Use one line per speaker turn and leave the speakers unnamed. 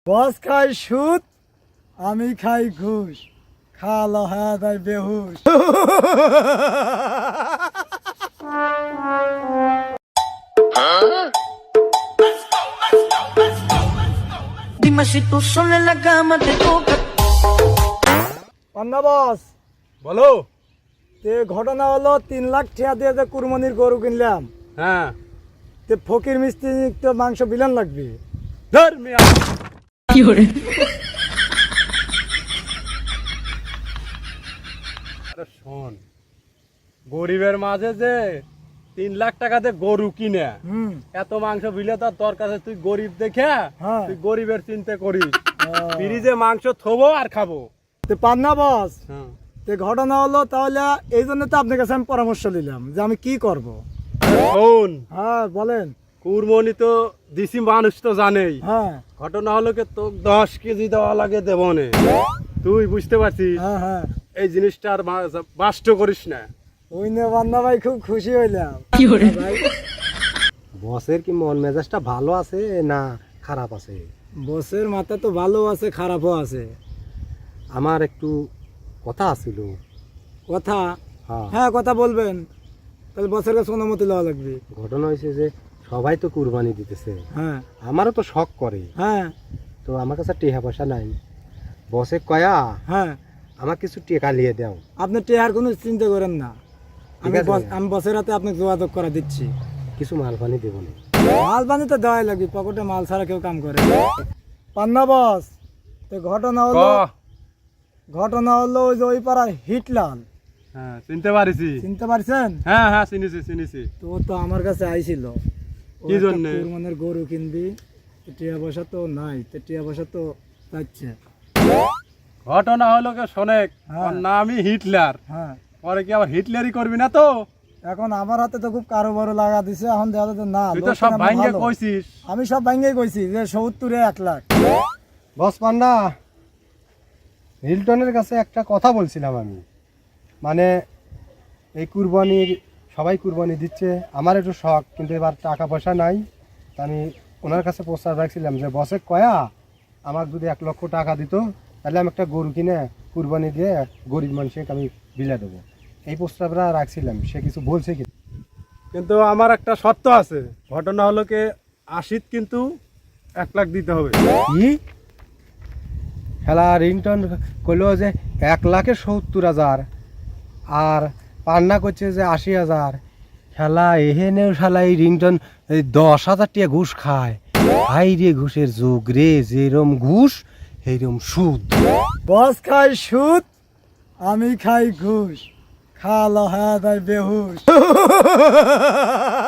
বস খাই সুদ, আমি খাই ঘুষ, খালো হ্যাঁ তাই বেহুশ।
Dime si tú sola en la cama te toca.
পান্না বস,
বলো।
তে ঘটনা হলো 3 লাখ টাকা দিয়ে যে কুরবানির গরু কিনলাম,
হ্যাঁ,
তে ফকির মিস্ত্রি তো মাংস বিলান লাগবে।
ধর মিয়া। আরে শোন, গরিবের মাঝে যে 3 লাখ টাকাতে গরু কিনে এত মাংস বিলে তার দরকার আছে, তুই গরিব দেখে
হ্যাঁ।
তুই গরিবের চিন্তা করিস। ফ্রিজে মাংস থবো আর খাবো।
তে পান্না বস,
হ্যাঁ।
তে ঘটনা হলো তাহলে এই জন্য তো আপনার কাছে আমি পরামর্শ নিলাম যে আমি কি করব।
শোন,
হ্যাঁ বলেন।
কুরবানি তো দিছি, মানুষ তো জানেই।
হ্যাঁ
ঘটনা হলো কি, তো 10 কেজি দেওয়া লাগে দেবনে, তুই বুঝতে পারছিস।
হ্যাঁ হ্যাঁ,
এই জিনিসটা আর বাষ্ট করিস না।
ওই নিয়ে পান্না ভাই খুব খুশি হইলাম। ভাই,
বসের কি মন মেজাজটা ভালো আছে না খারাপ আছে?
বসের মাথা তো ভালো আছে, খারাপও আছে।
আমার একটু কথা আছিল।
কথা?
হ্যাঁ,
হ্যাঁ কথা বলবেন, তাহলে বসের কাছে অনুমতি লওয়া লাগবে।
ঘটনা হয়েছে যে সবাই তো কুরবানি দিতেছে,
হ্যাঁ
আমারও তো শখ করে।
হ্যাঁ
তো আমার কাছে টেহা পয়সা নাই। বসে কয়া
হ্যাঁ,
আমার কিছু টেকা নিয়ে দাও।
আপনি টেহার কোনো চিন্তা করেন না,
ঠিক আছে।
আমি বসের হাতে আপনাকে যোগাযোগ করে দিচ্ছি।
কিছু মাল পানি দেবো না।
মাল পানি তো দেওয়াই লাগবে, পকেটে মাল ছাড়া কেউ কাম করে? পান্না বস, তো ঘটনা হলো ওই যে ওই পাড়ার হিটলাল,
হ্যাঁ, চিনতে পারিছি।
চিনতে পারছেন?
হ্যাঁ হ্যাঁ, চিনিছি।
তো ও তো আমার কাছে আইছিল, ও
কি
একটা
জন্যে?
কুরবানির গরু কিনবি, টিয়া পয়সা তো নাই, তো টিয়া পয়সা তো যাচ্ছে।
ঘটনা হলো কি শোনেক,
হ্যাঁ।
ওর নামই হিটলার।
হ্যাঁ,
পরে কি আবার হিটলারই করবি না তো?
এখন আমার হাতে তো খুব কারোবারও লাগা দিছে, এখন দেখা যাচ্ছে না।
তুই তো
লোকটা
সব
আমার
ভাঙ্গে
ভালো।
কইছিস।
আমি সব ভাঙ্গেই কইছি যে 70-এ 1 লাখ।
বস পান্না, হিলটনের কাছে একটা কথা বলছিলাম আমি। মানে এই কুরবানির সবাই কুরবানি দিচ্ছে, আমার একটু শখ, কিন্তু এবার টাকা পয়সা নাই। তা আমি ওনার কাছে প্রস্তাব রাখছিলাম যে বসে কয়া আমাকে যদি 1 লক্ষ টাকা দিত, তাহলে আমি একটা গরু কিনে কুরবানি দিয়ে গরিব মানুষকে আমি বিলে দেবো। এই প্রস্তাবটা রাখছিলাম, সে কিছু বলছে কি?
কিন্তু আমার একটা শর্ত আছে। ঘটনা হলো কি, 80 কিন্তু 1 লাখ দিতে হবে।
কি খেলা রিংটন কইল যে 1,70,000 আর পান্না করছে যে 80,000। খেলা এহেনেও শালা এই রিংটন 10,000 টাকা ঘুষ খায়। হাই রে ঘুষের যুগ রে, যেরম ঘুষ সেইরম সুদ।
বস খাই সুদ, আমি খাই ঘুষ, খালো হ্যাঁ তাই বেহুশ।